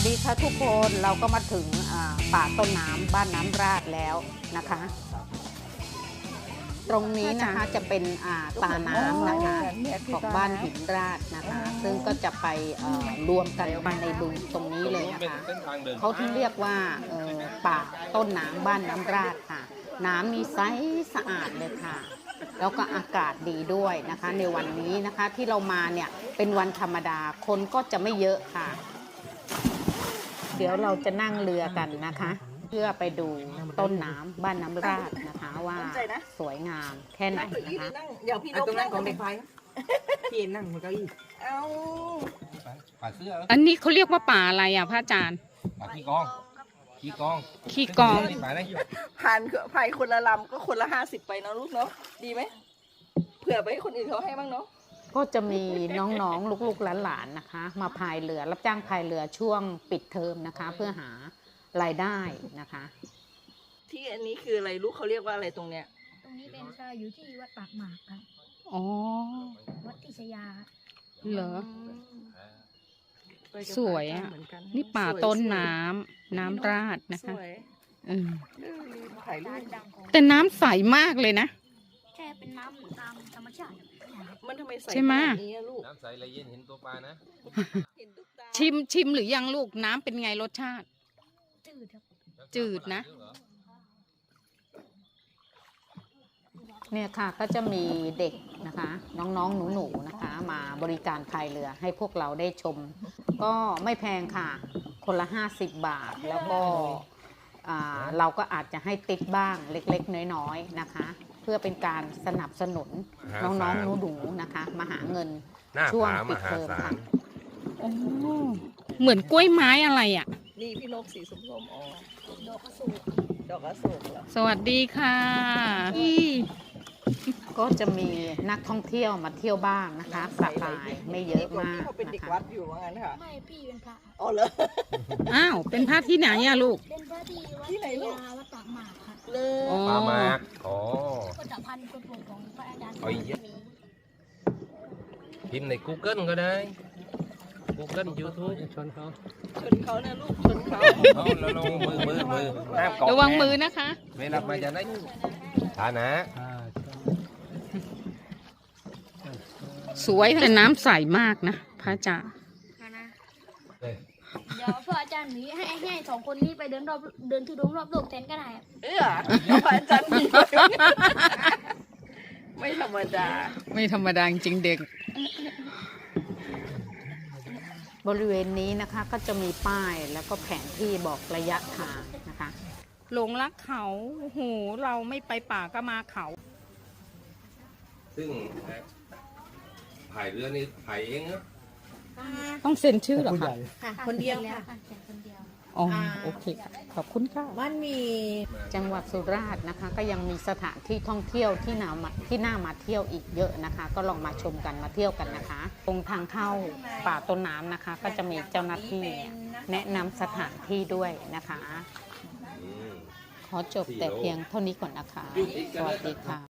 ดีค่ะทุกคนเราก็มาถึงป่าต้นน้ำบ้านน้ำราดแล้วนะคะ ตรงนี้นะคะจะเป็นตาน้ำนะคะของบ้านหินราดนะคะ ซึ่งก็จะไปรวมกันในบึงตรงนี้เลยนะคะเขาที่เรียกว่าป่าต้นน้ำบ้านน้ำราดค่ะ น้ำมีใสสะอาดเลยค่ะ แล้วก็อากาศดีด้วยนะคะในวันนี้นะคะที่เรามาเนี่ยเป็นวันธรรมดาคนก็จะไม่เยอะค่ะ เดี๋ยวเราจะนั่งเรือกันนะคะ เพื่อไปดูต้นน้ำบ้านน้ำราดนะคะว่าสวยงามแค่ไหนนะคะเดี๋ยวพี่นกนั่งของเด็กไฟพี่นั่งบนเก้าอี้เอาป่าเสื้ออันนี้เขาเรียกว่าป่าอะไรอ่ะพระอาจารย์ป่าขี้กองขี้กองขี้กองป่าไหนผ่านไฟคนละลำก็คนละ50ไปเนาะลูกเนาะดีไหมเผื่อไปให้คนอื่นเขาให้บ้างเนาะก็จะมีน้องๆลูกๆหลานๆนะคะ มาพายเรือรับจ้างพายเรือช่วงปิดเทอมนะคะ เพื่อหารายได้นะคะที่อันนี้คืออะไรลูกเขาเรียกว่าอะไรตรงเนี้ยตรงนี้เป็นอยู่ที่วัดปากหมากครับอ๋อวัดทิชยาครับเหรอไปกับสวยอ่ะเหมือนกันนี่ป่าต้นน้ำน้ำราดนะสคะวยอืมถ่ายรูร้าปนดังของแต่น้ำใสมากเลยนะแค่เป็นน้ำตามธรรมชาติครับมันทำไมใสใช่ไหมขนาดนี้อะลูกน้ำใสไหลเย็นเห็นตัวปลานะเห็นตุ๊กตาชิมหรือยังลูกน้ำเป็นไงรสชาติจืดครับจืดนะ เนี่ยค่ะก็จะมีเด็กนะคะ น้องๆหนูๆนะคะ มาบริการพายเรือให้พวกเราได้ชม ก็ไม่แพงค่ะ คนละ50 บาท แล้วก็เราก็อาจจะให้ติ๊กบ้างเล็กๆน้อยๆนะคะ เพื่อเป็นการสนับสนุนน้องๆหนูๆนะคะ มาหาเงินหน้าช่วงผาปิมดหาเทอมศาค่ะลโอ้เหมือนกล้วยไม้อะไรอ่ะนี่พี่นกสีส้มๆอ๋อดอกกระสูบดอกอโศกเหรอสวัสดีค่ะก็จะมีนักท่องเที่ยวมาเที่ยวบ้างนะคะสบายไม่เยอะมากพี่เขาเป็นเด็กนะคะวัดอยู่ว่างั้นค่ะไม่พี่เป็นพระครับอ๋อเหรออ้าวเป็นพระที่ไหนอะลูกเป็นพระที่วัดที่ไหนทิชลูกยาวัดปากหมากครับเลยอ๋อปลาหมากอ๋อก็จะพันกฎหมายของพระอาจารย์เอาอีกเยอะ พิมพ์ใน Google ก็ได้ Google YouTube ชนเขาชนเขานะลูกชนเขาเอาแล้วลงมือห้ามเกาะระวังมือนะคะเวลามาจะได้ฐานะสวยแต่น้ำใสมากนะพระอาจารย์นะเอ้ยเดี๋ยวพระอาจารย์หนีให้สองคนนี้ไปเดินทุดงรอบโลกแทนก็ได้ครับเออเอาพระอาจารย์มีไม่ธรรมดาไม่ธรรมดาจริงเด็ก บริเวณนี้นะคะก็จะมีป้ายแล้วก็แผนที่บอกระยะทางนะคะ หลงรักเขาโหเราไม่ไปป่าก็มาเขาซึ่งถ่ายเรือนี่ถ่ายเองนะต้องเซ็นชื่อเหรอคะค่ะคนเดียวแล้วค่ะค่ะแค่คนเดียวอ๋อโอเคค่ะขอบคุณค่ะมันมีจังหวัดสุราษฎร์นะคะ ก็ยังมีสถานที่ท่องเที่ยวที่น่ามาเที่ยวอีกเยอะนะคะ ก็ลองมาชมกันมาเที่ยวกันนะคะ ตรงทางเข้าป่าต้นน้ำนะคะ ก็จะมีเจ้าหน้าที่แนะนำสถานที่ด้วยนะคะอืมขอจบแต่เพียงเท่านี้ก่อนนะคะ สวัสดีค่ะ